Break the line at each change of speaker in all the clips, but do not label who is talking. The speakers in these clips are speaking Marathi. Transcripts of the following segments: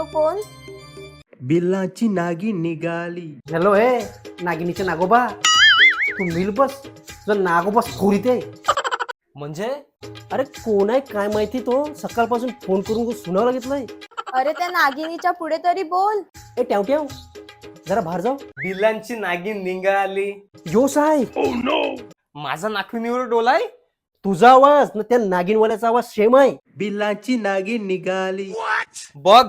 तो कोण?
बिल्लाची नागिन निघाली.
हॅलो हे नागिनीचे नागोबा, तू मिल बस, तुझा नागोबा स्फोरीत आहे. म्हणजे अरे कोण आहे काय माहिती, तो सकाळपासून फोन करून सुनावं लागितलंय.
अरे त्या नागिनीच्या पुढे तरी बोल.
ए ठेव ठेव, जरा बाहेर जाऊ.
बिलांची नागिन निघाली.
जोश आहे.
माझा नाखुनीवर डोलाय.
तुझा आवाज ना त्या नागिनवाल्याचा आवाज सेम आहे.
बिल्लाची नागिन निघाली.
बघ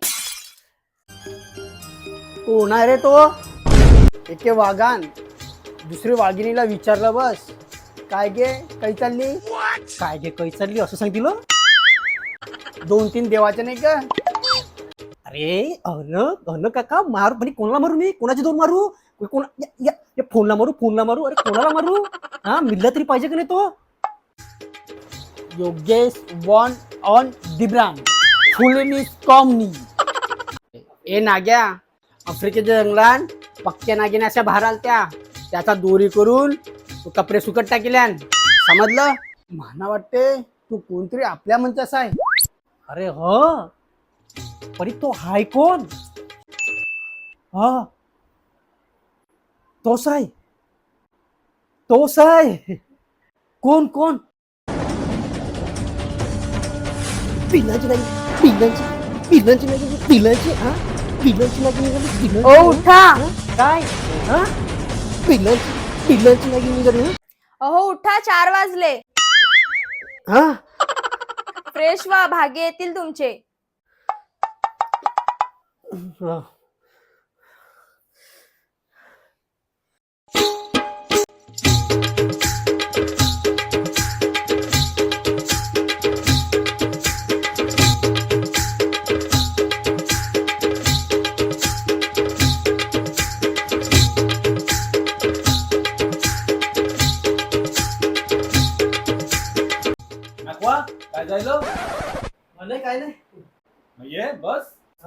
कोण आहे रे तो?
एके वाघान दुसरी वाघिणीला विचारलं, बस काय गे काही चालली?
काय गे काही चालली असं सांगितलं.
2-3 देवाचे नाही का?
अरे अन काका मारू, म्हणजे कोणाला मारू, मी कोणाची दोन मारू, कोण फोनला मारू अरे कोणाला मारू? हा मिळला तरी पाहिजे का नाही तो.
योगेश वॉन ऑन दिब्राम फुलेनी कॉमनी. ए नाग्या, आफ्रिकेच्या जंगलात पक्क्या नागिन अशा बाहेर आलत्या, त्याचा दोरी करून तू कपडे सुकट टाकल्यान, समजलं? मला वाटते तू कोणतरी आपल्या म्हणतास आहे.
अरे ह पण तो हाय कोण? हा तोच आहे. कोण कोण? पिलाची नाही.
ओ उठा.
काय हा पिलाची नाही निघाली.
अहो उठा, 4 वाजले.
हा
फ्रेश व्हा, भागे येतील तुमचे.
काय जायलो
काय नाही.
ये बस.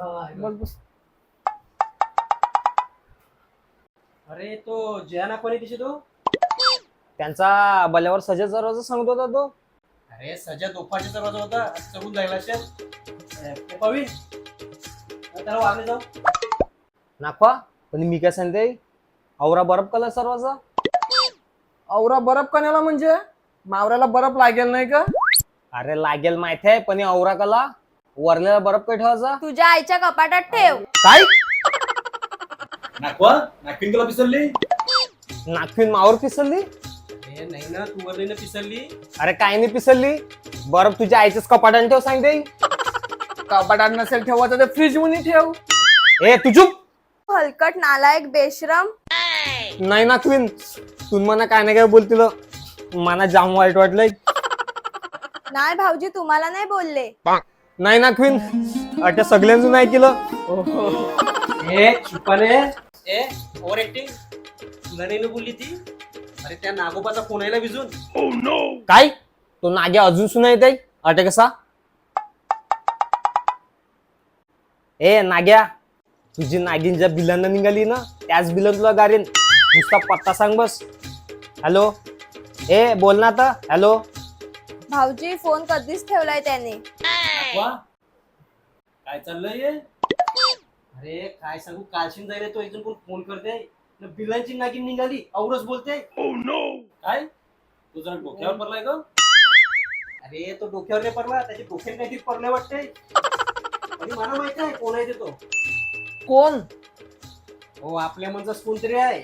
अरे तो जयाना कोणी तिचे तो?
त्यांचा बल्यावर सजा दरवाजा सांगत होता तो.
अरे सजा दोफाचा दरवाजा होता, चढून जायला असेल. पवीन त्याला वागले जाऊ.
नाखवा पण मी काय सांगते, औरा बरफ कलर दरवाजा.
औरा बर्फ कण्याला म्हणजे मावऱ्याला बर्फ लागेल नाही का?
अरे लागेल माहिती आहे, पण औरा कला वरलेला बरफ काय ठेवायचा.
तुझ्या आईच्या कपाटात ठेव.
काय
नाखवा नाखिन तुला पिसरली.
नाखवीन मावर पिसरली.
अरे नाही ना, तू वरली पिसरली.
अरे काय नाही पिसरली, बरफ तुझ्या आईच्याच कपाटाने ठेव सांगते.
कपाटात नसेल ठेवायचं तर फ्रीज मध्ये ठेव.
ए तू चुप.
हलकट, नालायक, बेशरम.
नाही नाखवीन, तू मला काय नाही काय बोलतील, मला जाम वाईट वाटलंय.
नाही भाऊजी, तुम्हाला नाही बोलले.
नाही नाखवीन, अट्या सगळ्यांचं नाही केलं.
ए चुपाने, ए ओव्हर ऍक्टिंग. तुला नाही ना बोलली ती. अरे त्या नागोबाचा फोन यायला भिजून.
काय तो नाग्या अजून सुना येत आहे अटे कसा. ए नाग्या, तुझी नागिन ज्या बिलांना निघाली ना, त्याच बिलन तुला गारेन. नुसता पत्ता सांग बस. हॅलो ए बोल ना आता. हॅलो
भाऊजी फोन कधीच ठेवलाय त्याने.
काय चाललंय? अरे काय सांगू, कालशीन जायला तो एकदम कोण फोन करते, बिलांची नागिन निघाली औरच बोलते.
काय तू जरा डोक्यावर पडलाय का?
अरे तो डोक्यावर नाही पडला, त्याच्या डोक्यात काहीतरी पडले वाटते. आणि मला माहित आहे कोण आहे ते. तो
कोण?
हो आपल्या मनचाच कोणतरी आहे.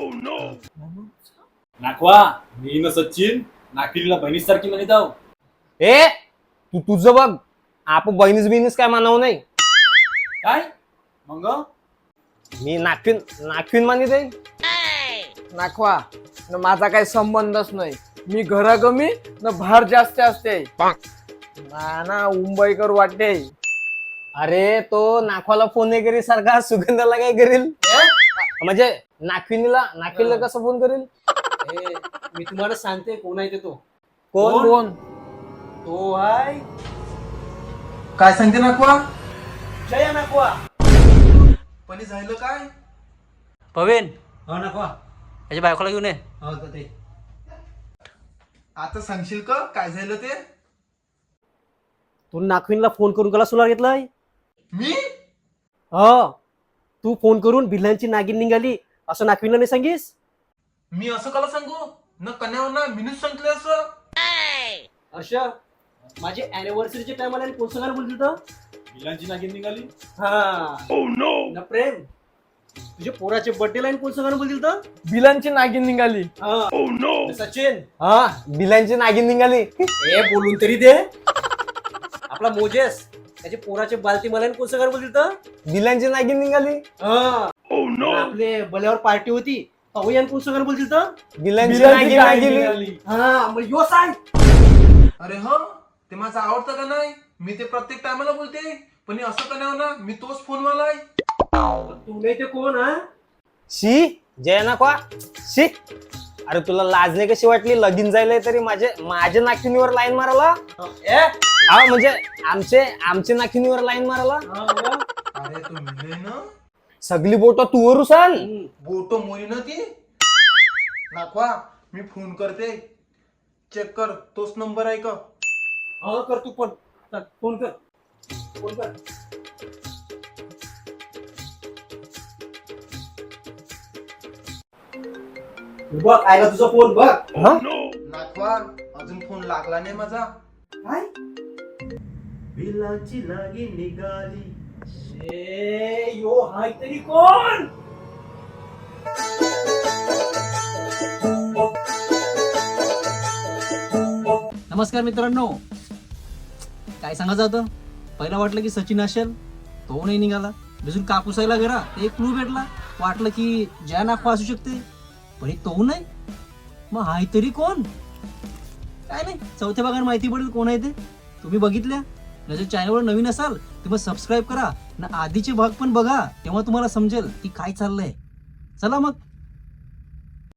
नाखवा मी न सचिन नाखिनला बहिणीसारखी म्हणत आहो.
ए तू तुझं बघ, आपण बहिणीच काय मानावं नाही.
काय मग
मी नाखवीन मानित आहे.
नाखवा न माझा काही संबंधच नाही. मी घरागमी न भार जास्त असते. ना मुंबईकर वाटते.
अरे तो नाखवाला फोन नाही करील सारखा, सुगंधाला काय करील, म्हणजे नाखविनीला कसं फोन करील.
मी तुम्हाला सांगते कोण आहे ते. तो
कोण?
तो आहे
काय सांगते नाखवा?
जया नाखवा.
पण झालं काय?
पवेन हो नाखवा, त्याच्या बायकोला घेऊन ये.
आता सांगशील का काय झालं ते?
तू नाखवीनला फोन करून कला सुला घेतलाय.
मी
हो, तू फोन करून भिलांची नागिन निघाली असं नागवीला नाही सांगीस.
मी असं कला सांगू न कन्यावर ना मीनच सांगितलं असं.
अशा माझे अॅनिव्हर्सरीच्या टायमाला कोण सांगायला बोलतील तर
बिलांची नागिन निघाली.
ना प्रेम तुझ्या पोराचे बर्थडे लाईन कोण सांगायला बोलतील तर
बिलांची नागिन निघाली.
ना सचिन
हा बिलांची नागिन निघाली.
हे बोलून तरी दे. आपला मोजेस त्याच्या पोराचे बालती मला कोण सांगायला बोलतील तर
बिलांची नागिन निघाली.
आपले बल्यावर पार्टी होती अवयान कोण सांगायला बोलतील तर
बिलांची
बिलांची
नागिन
नागिन
निघाली.
निघाली.
हा मग यो सांग.
अरे हो, ते माझं आवडतं का नाही. मी ते प्रत्येक टायमाला बोलते, पण हे असं कन्यावर ना मी तोच फोनवाला आहे.
तू नाही ते कोण हा
शी जय ना का शी. अरे तुला लाज नाही कशी वाटली लगीन जायला तरी माझ्या नाखिनीवर लाईन मारायला. हा म्हणजे आमचे नाखिनीवर लाईन मारायला.
अरे तू मिळले ना
सगळी बोट तू वर उसाल.
बोटो मोरी ना ती नाखवा. मी फोन करते, चेक कर तोच नंबर आहे का.
हा कर तू पण चल, फोन कर फोन कर. बघ आयला तुझा फोन बघ.
नाखवा अजून फोन लागला नाही माझा.
काय
बिलाची नागिन निघाली.
यो हाय तरी कोण.
नमस्कार मित्रांनो, काय सांगायचं होतं. पहिला वाटलं की सचिन असेल, तो नाही निघाला. दुसरी कापूसायला गेला, एक क्लू भेटला. वाटलं की जया नाखवा असू शकते, पण तो नाही. मग हाय तरी कोण. काय नाही, चौथ्या भागात माहिती पडेल कोण आहे ते. तुम्ही बघितल्या न. जर चॅनलवर नवीन असाल तर मग सबस्क्राईब करा ना, आधीचे भाग पण बघा, तेव्हा तुम्हाला समजेल की काय चाललंय. चला मग